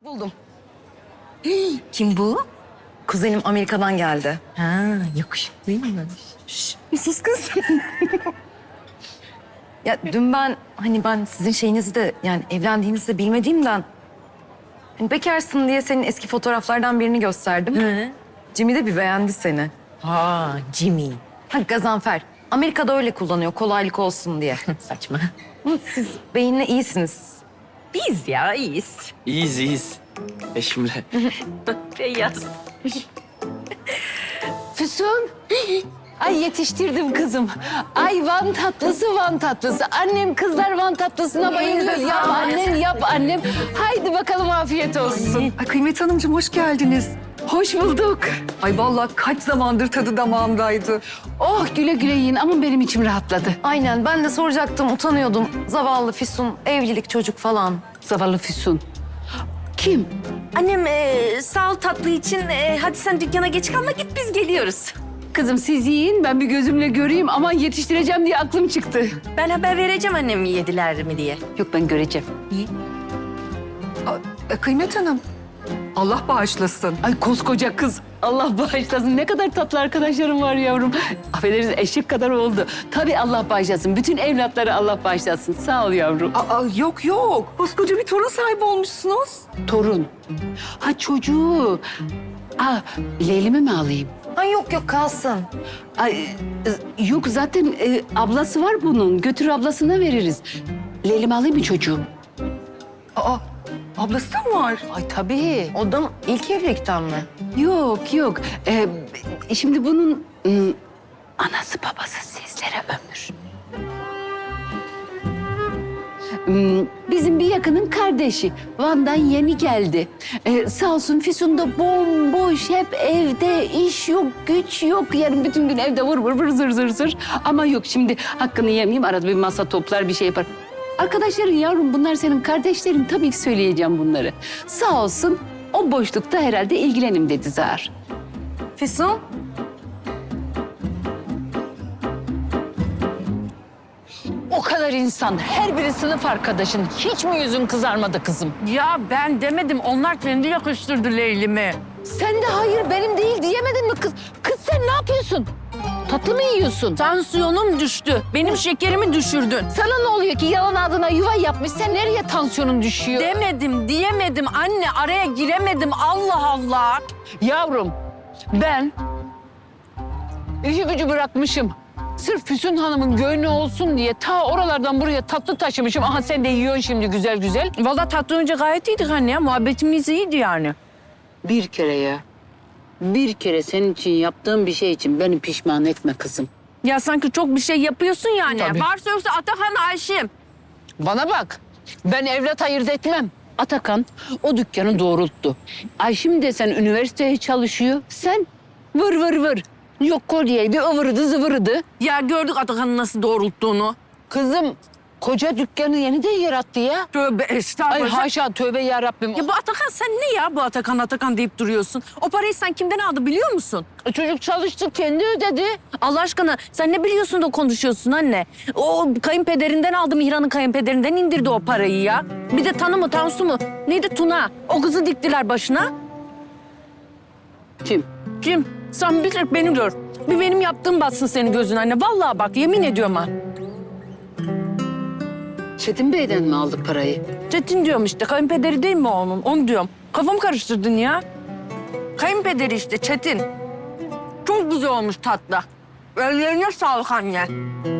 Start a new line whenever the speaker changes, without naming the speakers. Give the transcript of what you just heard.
Buldum. Kim bu? Kuzenim Amerika'dan geldi.
Ha, yakışıklıymış.
Sus kız. Ya dün ben sizin şeyinizi de yani evlendiğinizi de bilmediğimden hani bekarsın diye senin eski fotoğraflardan birini gösterdim.
Hı.
Jimmy de bir beğendi seni.
Ha, Jimmy.
Ha Gazanfer. Amerika'da öyle kullanıyor kolaylık olsun diye.
Saçma.
Ama siz beyinle iyisiniz.
Biz ya iyiyiz.
İyiyiz. Eşimle.
Beyaz.
Füsun. Ay yetiştirdim kızım. Ay Van tatlısı, Van tatlısı. Annem kızlar Van tatlısına bayılır. Yap annem, yap annem. Haydi bakalım afiyet olsun.
Ay Kıymet Hanımcığım hoş geldiniz.
Hoş bulduk.
Ay vallahi kaç zamandır tadı damağımdaydı.
Oh güle güle yiyin ama benim içim rahatladı.
Aynen ben de soracaktım utanıyordum. Zavallı Füsun evlilik çocuk falan.
Zavallı Füsun. Kim?
Annem sağ ol tatlı için. Hadi sen dükkana geç kalma git biz geliyoruz.
Kızım siz yiyin ben bir gözümle göreyim. Aman yetiştireceğim diye aklım çıktı.
Ben haber vereceğim annem yediler mi diye.
Yok ben göreceğim.
Kıymet Hanım Allah bağışlasın.
Ay koskoca kız. Allah bağışlasın. Ne kadar tatlı arkadaşlarım var yavrum. Affedersiniz eşek kadar oldu. Tabii Allah bağışlasın. Bütün evlatları Allah bağışlasın. Sağ ol yavrum.
Yok yok. Koskoca bir torun sahibi olmuşsunuz.
Torun. Ha çocuğu. Leylimi mi alayım?
Ay yok kalsın.
Ay, yok zaten ablası var bunun. Götür ablasına veririz. Leylimi alayım mı çocuğum?
Ablası da mı var?
Ay tabii.
O da ilk evlilikten mi?
Yok. Şimdi bunun anası babası sizlere ömür. Bizim bir yakının kardeşi. Van'dan yeni geldi. Sağ olsun Füsun da bomboş, hep evde, iş yok, güç yok. Yani bütün gün evde vır zır. Ama yok şimdi hakkını yemeyeyim. Arada bir masa toplar, bir şey yapar. Arkadaşların yavrum bunlar senin kardeşlerin. Tabii ki söyleyeceğim bunları. Sağ olsun o boşlukta herhalde ilgilenim dedi Zahar.
Füsun?
O kadar insan, her biri sınıf arkadaşın. Hiç mi yüzün kızarmadı kızım?
Ya ben demedim, onlar kendi yakıştırdı Leylim'i.
Sen de hayır benim değil diyemedin mi kız? Kız sen ne yapıyorsun? Tatlı mı yiyorsun?
Tansiyonum düştü, benim şekerimi düşürdün.
Sana ne oluyor ki yalan ağzına yuva yapmış? Sen nereye tansiyonun düşüyor?
Demedim, diyemedim anne, araya giremedim. Allah Allah.
Yavrum ben işi gücü bırakmışım. Sırf Füsun Hanım'ın gönlü olsun diye ta oralardan buraya tatlı taşımışım. Aha sen de yiyorsun şimdi güzel.
Vallahi tatlı önce gayet iyiydik anne ya, muhabbetimiz iyiydi yani.
Bir kere ya. Bir kere senin için yaptığım bir şey için beni pişman etme kızım.
Ya sanki çok bir şey yapıyorsun yani.
Tabii.
Varsa yoksa Atakan, Ayşem.
Bana bak. Ben evlat ayırt etmem. Atakan o dükkanı doğrulttu. Ayşim desen üniversiteye çalışıyor. Sen vır. Yok kolyeydi, ıvırdı zıvırdı.
Ya gördük Atakan'ın nasıl doğrulttuğunu.
Kızım koca dükkanı yeniden yarattı ya.
Tövbe
Ay
estağfurullah.
haşa tövbe yarabbim.
Ya bu Atakan sen ne ya bu Atakan deyip duruyorsun? O parayı sen kimden aldı biliyor musun?
Çocuk çalıştı kendi ödedi.
Allah aşkına sen ne biliyorsun da konuşuyorsun anne? O kayınpederinden aldı, Mihran'ın kayınpederinden indirdi o parayı ya. Bir de Tanı mı Tansu mu? Neydi Tuna? O kızı diktiler başına.
Kim?
Kim? Sen bir tek beni gör. Bir benim yaptığım batsın senin gözün anne. Vallahi bak yemin ediyorum ha.
Çetin Bey'den mi aldık parayı?
Çetin diyorum işte, kayınpederi değil mi onun? Onu diyorum. Kafamı karıştırdın ya. Kayınpederi işte Çetin. Çok güzel olmuş tatlı. Ellerine sağlık anne.